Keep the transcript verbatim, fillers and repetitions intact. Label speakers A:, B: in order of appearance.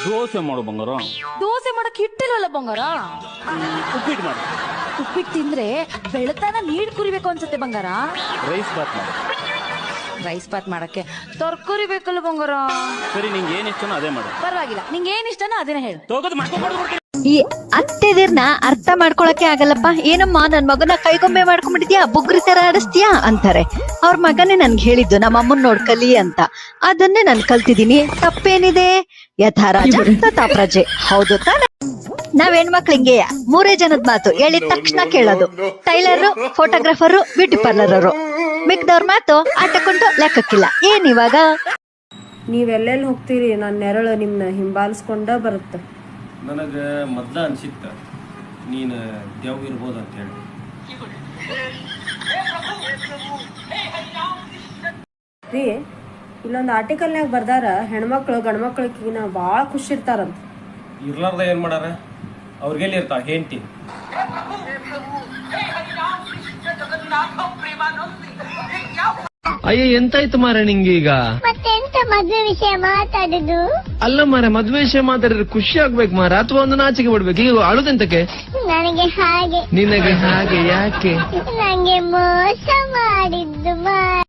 A: ದೋಸೆ ಮಾಡು ಬಂಗಾರ.
B: ದೋಸೆ ಮಾಡಕ್ ಹಿಟ್ಟಿಲ್ಲಲ್ಲ ಬಂಗಾರ.
A: ಉಪ್ಪಿಟ್ಟು ಮಾಡು.
B: ಉಪ್ಪಿಟ್ಟು ತಿಂದ್ರೆ ಬೆಳತನ ನೀರ್ ಕುರಿಬೇಕು ಅನ್ಸುತ್ತೆ ಬಂಗಾರ.
A: ರೈಸ್ ಬಾತ್ ಮಾಡು.
B: ರೈಸ್ ಬಾತ್ ಮಾಡಕ್ಕೆ ತರಕಾರಿ ಬೇಕಲ್ಲ ಬಂಗಾರ.
A: ಸರಿ, ನಿಂಗೆ ಏನ್ ಇಷ್ಟನೋ ಅದೇ ಮಾಡು.
B: ಪರವಾಗಿಲ್ಲ, ನಿಂಗೆ ಏನ್ ಇಷ್ಟನೋ ಅದನ್ನ ಹೇಳು.
A: ತಗೋದು ಮಾಡ್ಕೊಂಡು
C: ಈ ಅತ್ತೆದಿರ್ನ ಅರ್ಥ ಮಾಡ್ಕೊಳಕ್ಕೆ ಆಗಲ್ಲಪ್ಪ. ಏನಮ್ಮ ನನ್ ಮಗನ ಕೈಗೊಂಬೆ ಮಾಡ್ಕೊಂಡ್ಬಿಟ್ಟಿದ್ಯಾ, ಬುಗ್ರಿ ತರ ಆಡಿಸ್ತೀಯಾ ಅಂತಾರೆ. ಅವ್ರ ಮಗನೇ ನನ್ಗೆ ಹೇಳಿದ್ದು ನಮ್ಮ ಅಮ್ಮನ್ ನೋಡ್ಕಲಿ ಅಂತ. ಅದನ್ನೇ ನಾನ್ ಕಲ್ತಿದೀನಿ. ತಪ್ಪೇನಿದೆ? ಯಥಾ ರಾಜ ತಥಾ ಪ್ರಜೆ. ಹೌದು ತಾನೆ? ನಾವ್ ಹೆಣ್ಮಕ್ಳು ಹಿಂಗೆಯ ಮೂರೇ ಜನದ ಮಾತು ಹೇಳಿದ ತಕ್ಷಣ ಕೇಳೋದು. Tailor, photographer, beauty parlour. ಮಿಕ್ದವ್ರ ಮಾತು ಆಟಕೊಂಡು ಲೆಕ್ಕಕ್ಕಿಲ್ಲ. ಏನ್ ಇವಾಗ?
D: ನೀವೆಲ್ಲೆಲ್ಲಿ ಹೋಗ್ತೀರಿ, ನನ್ನ ನೆರಳು ನಿಮ್ನ ಹಿಂಬಾಲಿಸ್ಕೊಂಡ ಬರುತ್ತೆ.
E: ನನಗೆ ಮೊದ್ಲ ಅನ್ಸಿತ್ತ ನೀನು ದೇವ್ ಇರ್ಬೋದು ಅಂತ ಹೇಳಿ.
D: ರೀ, ಇಲ್ಲೊಂದು ಆರ್ಟಿಕಲ್ನಾಗ ಬರ್ದಾರ, ಹೆಣ್ಮಕ್ಳು ಗಂಡ್ಮಕ್ಳಿಗಿನ ಭಾಳ ಖುಷಿ ಇರ್ತಾರಂತ.
E: ಇರ್ಲಾರ್ದ ಏನ್ ಮಾಡಾರ? ಅವ್ರಿಗೆಲ್ಲಿ ಇರ್ತಾವ ಹೆಂಡತಿ?
F: ಅಯ್ಯ, ಎಂತಾಯ್ತು ಮಾರ ನಿಂಗೆ ಈಗ?
G: ಮತ್ತೆಂತ ಮದ್ವೆ ವಿಷಯ ಮಾತಾಡುದು?
F: ಅಲ್ಲ ಮಾರ, ಮದ್ವೆ ವಿಷಯ ಮಾತಾಡಿದ್ರೆ ಖುಷಿ ಆಗ್ಬೇಕು ಮಾರ, ಅಥವಾ ಒಂದು ನಾಚಿಕೆ ಬಿಡ್ಬೇಕು. ಈಗ ಅಳುದೆಂತಕ್ಕೆ?
G: ನನಗೆ ಹಾಗೆ.
F: ನಿನಗೆ ಹಾಗೆ ಯಾಕೆ?
G: ನಂಗೆ ಮೋಸ ಮಾಡಿದ್ದು ಮಾ